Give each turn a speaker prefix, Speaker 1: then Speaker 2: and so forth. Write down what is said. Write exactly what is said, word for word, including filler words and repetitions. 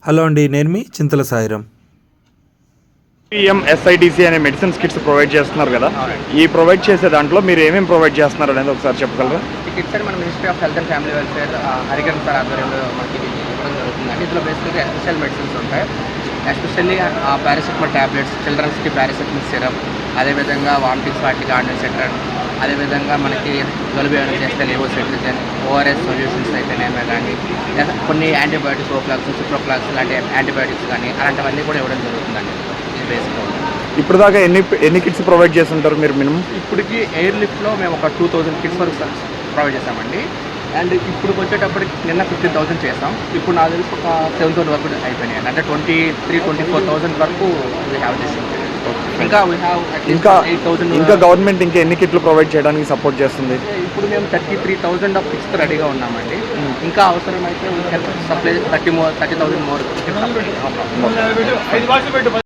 Speaker 1: Hello అండి, నేను మీ చింతల సాయిరాం.
Speaker 2: పిఎంఎస్ఐడిసి అనే మెడిసిన్స్ కిట్స్ ప్రొవైడ్ చేస్తున్నారు కదా. ఈ ప్రొవైడ్ చేసే దాంట్లో మీరు ఏమేమి ప్రొవైడ్ చేస్తున్నారు అనేది ఒకసారి చెప్పగలరా?
Speaker 3: ఈ కిట్స్ అని మన ministry of health and family welfare Harikarana sir ఆధ్వర్యంలో మనకి ఇవ్వడం జరుగుతుందండి. ఇందులో బేసిక్గా ఎస్పెషల్ మెడిసిన్స్ ఉంటాయి. ఎస్పెషల్లీ పారాసిటమాల్ ట్యాబ్లెట్స్, చిల్డ్రన్స్కి పారాసిటమాల్ సిరప్, అదేవిధంగా వామిటింగ్స్ వాటికి ఆర్డినెసెట్రన్, అదేవిధంగా మనకి జలుబు ఏమైనా చేస్తే లేవోసెట్రిజన్, ఓఆర్ఎస్ సొల్యూషన్స్ అయితేనేమే కానీ, లేదా కొన్ని యాంటీబయాటిక్స్, ఓఫ్లాక్స్, సిప్రోఫ్లాక్స్ లాంటి యాంటీబయాటిక్స్ కానీ అలాంటివన్నీ కూడా ఇవ్వడం జరుగుతుందండి. ఇది బేసిక్గా
Speaker 2: ఇప్పుడు దాకా ఎన్ని ఎన్ని కిట్స్ ప్రొవైడ్ చేస్తుంటారు మీరు మినిమం?
Speaker 3: ఇప్పటికి ఎయిర్ లిఫ్ట్లో మేము ఒక టూ థౌజండ్ కిట్స్ వరకు ప్రొవైడ్ చేసామండి. అండ్ ఇప్పుడు వచ్చేటప్పటికి నిన్న ఫిఫ్టీన్ థౌసండ్ చేసాం. ఇప్పుడు నాకు తెలిసి ఒక సెవెన్ థౌసండ్ వరకు అయిపోయినాయి. అంటే twenty three twenty four thousand వరకు వీ హ్యావ్ దిస్. ఇంకా వీ హ్యావ్
Speaker 2: ఇంకా
Speaker 3: ఎయిట్ థౌసండ్
Speaker 2: ఇంకా గవర్నమోమెంట్ ఇంకా ఎన్ని కిట్లు ప్రొవైడ్ చేయడానికి సపోర్ట్ చేస్తుంది?
Speaker 3: ఇప్పుడు మేము thirty three thousand of kits రెడీగా ఉన్నామండి. ఇంకా అవసరమైతే supply thirty more thirty thousand more